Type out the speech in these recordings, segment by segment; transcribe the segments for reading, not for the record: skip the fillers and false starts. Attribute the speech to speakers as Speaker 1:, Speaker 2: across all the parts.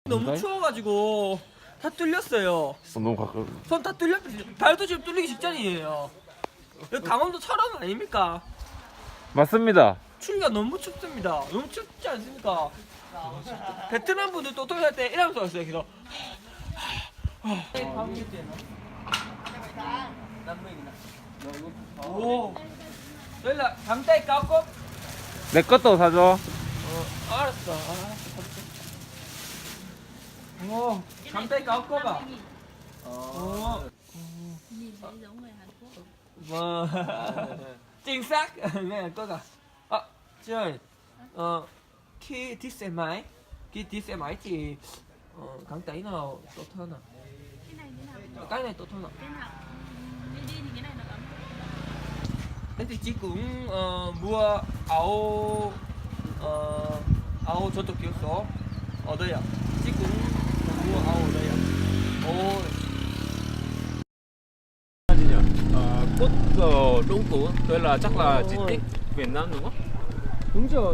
Speaker 1: 너무 추워가지고 다 뚫렸어요.
Speaker 2: 손 너무 가까워.
Speaker 1: 손 다 뚫렸. 발도 지금 뚫리기 직전이에요. 여기 강원도처럼 아닙니까?
Speaker 2: 맞습니다.
Speaker 1: 추위가 너무 춥습니다. 너무 춥지 않습니까? 베트남 분들 또 통역할 때 이러면서 왔어요. 그래서 오, 연락 잠자리 까고.
Speaker 2: 내 것도 사줘.
Speaker 1: 알았어. 오, 잠자리 까고 봐.
Speaker 3: Nhìn thấy giống người Hàn Quốc.
Speaker 1: Vâng. Chính xác. Nghe có cả. Trời. Khi đi xe máy, thì gắn tay nào tốt hơn nào?
Speaker 3: Cái này thế nào?
Speaker 1: Cái này tốt hơn nào?
Speaker 3: Cái nào? Đi đi thì cái này nó ấm.
Speaker 1: Thế thì chị cũng mua áo áo 저도 기억서 ở đây à? Chị cũng mua áo ở đây à? Ồ.
Speaker 4: Cốt Đông Tú, tôi là chắc là di tích Việt Nam đúng không?
Speaker 1: Đúng rồi.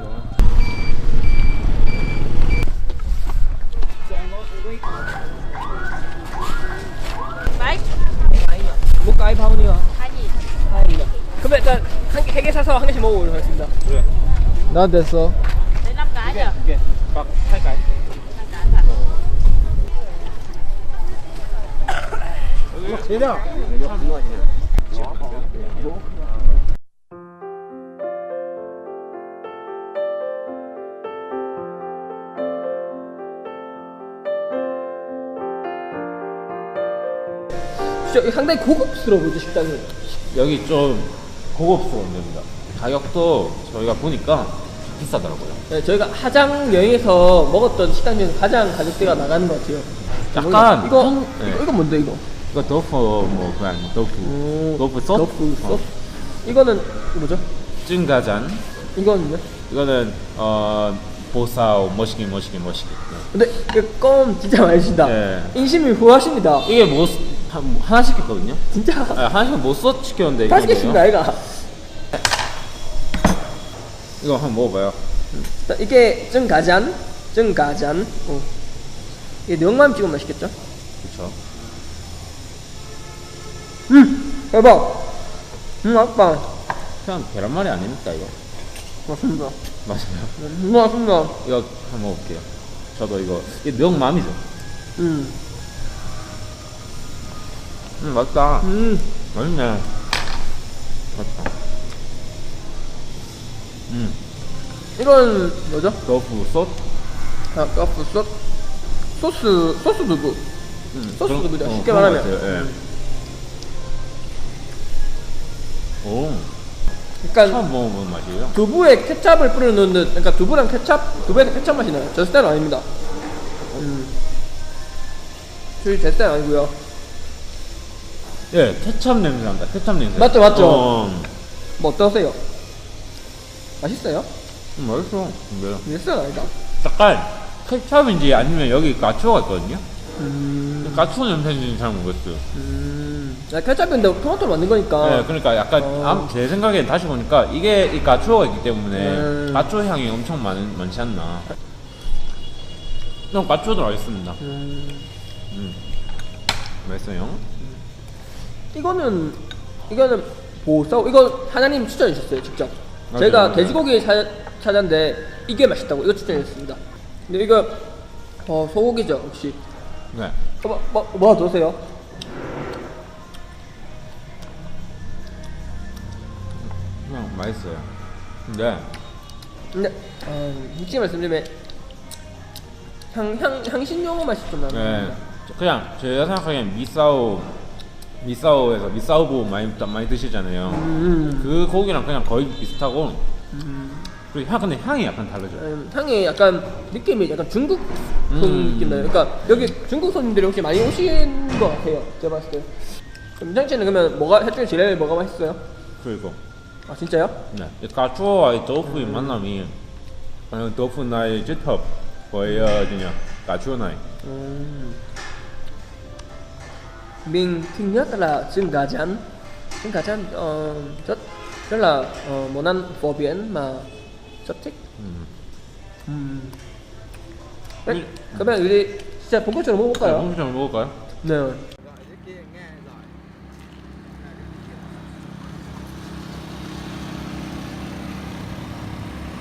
Speaker 3: Đấy.
Speaker 1: 뭐 까이 파운이요?
Speaker 3: Hai gì?
Speaker 1: 다행이다. 그럼 일단 한 개 사서 한 개씩 먹어보도록 하겠습니다.
Speaker 4: 그래.
Speaker 1: 난 됐어.
Speaker 3: Đấy 5 cái nhỉ?
Speaker 4: 이게 막 2cái.
Speaker 3: 5 cái thật.
Speaker 1: 대장. 진짜 상당히 고급스러워 보이죠 식당이.
Speaker 2: 여기 좀 고급스러운 데입니다. 가격도 저희가 보니까 비싸더라고요.
Speaker 1: 네, 저희가 하장 여행에서 먹었던 식당 중에 가장 가격대가 나가는 것 같아요.
Speaker 2: 약간
Speaker 1: 이거
Speaker 2: 네.
Speaker 1: 이거 뭔데 이거?
Speaker 2: 이거 도프 뭐 그냥 도프 소스.
Speaker 1: 도프 소스. 이거는 뭐죠?
Speaker 2: 찐가잔.
Speaker 1: 이거는요?
Speaker 2: 이거는 보사오 멋있게.
Speaker 1: 근데 이거 껌 진짜 많이 주신다.
Speaker 2: 네.
Speaker 1: 인심이 후하십니다.
Speaker 2: 이게 뭐 하나 시켰거든요.
Speaker 1: 진짜
Speaker 2: 하나씩 못 시켰는데
Speaker 1: 다 시켰습니다 아이가.
Speaker 2: 이거 한번 먹어봐요.
Speaker 1: 자, 이게 증가잔. 이게 명만 찍으면 맛있겠죠?
Speaker 2: 그렇죠.
Speaker 1: 대박. 맛있다.
Speaker 2: 그냥 계란말이 아닙니까 이거?
Speaker 1: 맞습니다.
Speaker 2: 맞아요.
Speaker 1: 맛있습니다.
Speaker 2: 이거 한번 먹을게요. 저도 이게 명맘이죠. 맛있다. 맛있네. 맛있다.
Speaker 1: 이건 뭐죠?
Speaker 2: 도프 소스.
Speaker 1: 아, 카프 소스 두부. 소스 두부죠. 쉽게
Speaker 2: 그런
Speaker 1: 말하면.
Speaker 2: 것 같아요. 예. 오,
Speaker 1: 약간
Speaker 2: 처음 먹어보는 맛이에요.
Speaker 1: 두부에 케찹을 뿌려 넣는, 그러니까 두부랑 두부에는 케찹 맛이 나요. 저 스타일은 아닙니다. 저희 제 스타일 아니고요.
Speaker 2: 예, 케찹 냄새 난다. 케찹 냄새.
Speaker 1: 맞죠? 뭐 어떠세요? 맛있어요?
Speaker 2: 맛있어. 근데
Speaker 1: 내 스타일 아니다.
Speaker 2: 약간 케찹인지 아니면 여기 가추어가 있거든요. 가추어 냄새인지는 잘 모르겠어요.
Speaker 1: 케찹인데 토마토로 만든 거니까.
Speaker 2: 네, 그러니까 약간 제 생각엔 다시 보니까 이게 이 가추어가 있기 때문에 가추어 향이 엄청 많지 않나. 그럼 가추어도 맛있습니다. 맛있어요.
Speaker 1: 이거는 보사오. 이거 하나님 추천해 주셨어요 직접.
Speaker 2: 맞아요,
Speaker 1: 제가
Speaker 2: 맞아요.
Speaker 1: 돼지고기 찾았는데 이게 맛있다고 이거 추천해 주셨습니다. 근데 이거 소고기죠 혹시?
Speaker 2: 네.
Speaker 1: 뭐 드세요?
Speaker 2: 그냥 맛있어요. 근데
Speaker 1: 솔직히 말씀드리면 향신료의 맛이 좀 나는
Speaker 2: 네,
Speaker 1: 겁니다.
Speaker 2: 그냥 제가 생각하기엔 미사오에서 미사오부 많이 드시잖아요. 그 고기랑 그냥 거의 비슷하고. 그리고 근데 향이 약간 다르죠.
Speaker 1: 향이 약간 느낌이 약간 중국 손 느낌 나요. 그러니까 여기 중국 손님들이 혹시 많이 오신 것 같아요. 제가 봤을 때. 민정 씨는 그러면 셋 중에 제일 뭐가 맛있어요?
Speaker 2: 그리고
Speaker 1: 아 진짜요?
Speaker 2: 네, 가추어와의 도프의 만남이 도프 나의 kết hợp với cà chua này.
Speaker 1: Mình thích nhất là trứng gà rán. Trứng gà rán rất là món ăn phổ biến mà rất thích. 그러면 우리 진짜 본격적으로 먹어볼까요?
Speaker 2: 좀 먹을까요?
Speaker 1: 네.